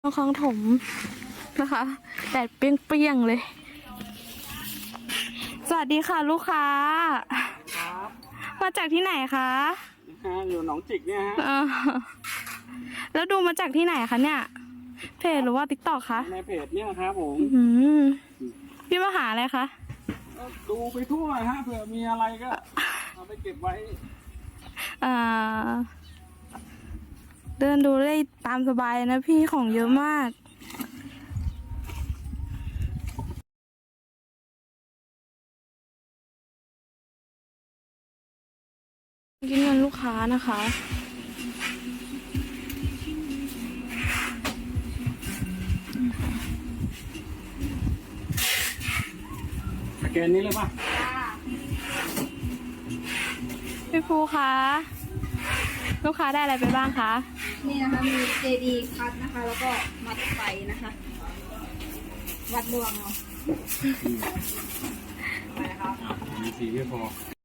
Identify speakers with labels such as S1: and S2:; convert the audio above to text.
S1: คลองถมนะคะแดดเปรี้ยงๆเลยสวัสดีค่ะลูกค้ามาจากที่ไหนคะ
S2: อยู่หนองจิกเนี่ยฮะ
S1: แล้วดูมาจากที่ไหนคะเนี่ยเพจหรือว่าติ๊กต็อกคะ
S2: ในเพจเนี่ยครับผม
S1: พี่มาหาอะไรคะ
S2: ดูไปทั่วฮะเผื่อมีอะไรก็เอาไปเก็บไว้
S1: เดินดูได้ตามสบายนะพี่ของเยอะมากกินเงินลูกค้านะคะ
S2: สแกนนี้เลยป่ะ
S1: พี่ภูคะลูกค้าได้อะไรไปบ้างคะ
S3: นี่นะคะมีเจดีคัทนะคะแล้วก็มัดไฟนะคะวัดดวงเนาะ
S2: มีสีไม่พอ